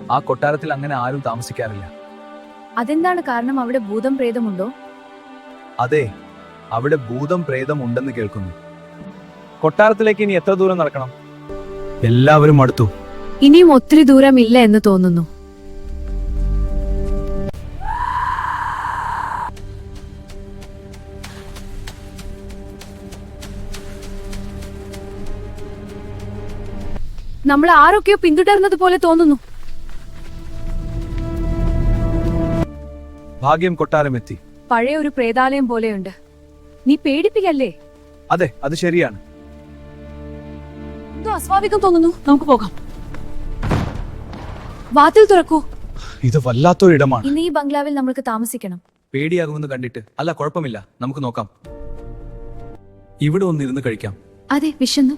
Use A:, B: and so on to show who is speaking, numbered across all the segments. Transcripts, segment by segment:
A: ആ കൊട്ടാരത്തിൽ അങ്ങനെ ആരും താമസിക്കാറില്ല.
B: അതെന്താണ് കാരണം? അവിടെ ഭൂതം പ്രേതമുണ്ടോ?
A: അതെ, അവിടെ ഭൂതം പ്രേതം ഉണ്ടെന്ന് കേൾക്കുന്നു. കൊട്ടാരത്തിലേക്ക് ഇനി എത്ര ദൂരം നടക്കണം? എല്ലാവരും അടുത്തു.
B: ഇനിയും ഒത്തിരി ദൂരം ഇല്ല എന്ന് തോന്നുന്നു. നമ്മൾ ആരൊക്കെയോ പിന്തുടർന്നത് പോലെ തോന്നുന്നു.
A: ഭാഗ്യം, കൊട്ടാരം എത്തി.
B: പഴയ ഒരു പ്രേതാലയം പോലെയുണ്ട്. നീ പേടിപ്പിക്കല്ലേ?
A: അതെ, അത് ശരിയാണ്.
B: എന്തോ അസ്വാഭാവികം തോന്നുന്നു. നമുക്ക് പോകാം. വാതിൽ തുറക്കൂ.
A: ഇത് വല്ലാത്തൊരിടമാണ്.
B: ഇന്ന് ഈ ബംഗ്ലാവിൽ നമ്മൾക്ക് താമസിക്കണം.
A: പേടിയാകുമെന്ന് കണ്ടിട്ട്. അല്ല, കുഴപ്പമില്ല, നമുക്ക് നോക്കാം. ഇവിടെ ഒന്നിരുന്ന് കഴിക്കാം.
B: അതെ, വിശന്നു.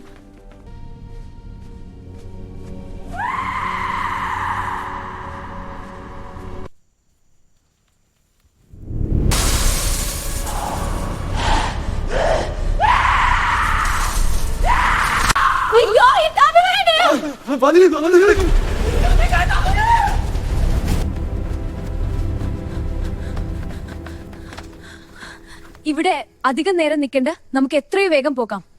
B: ഇവിടെ അധികം നേരം നിൽക്കണ്ട. നമുക്ക് എത്രയും വേഗം പോകാം.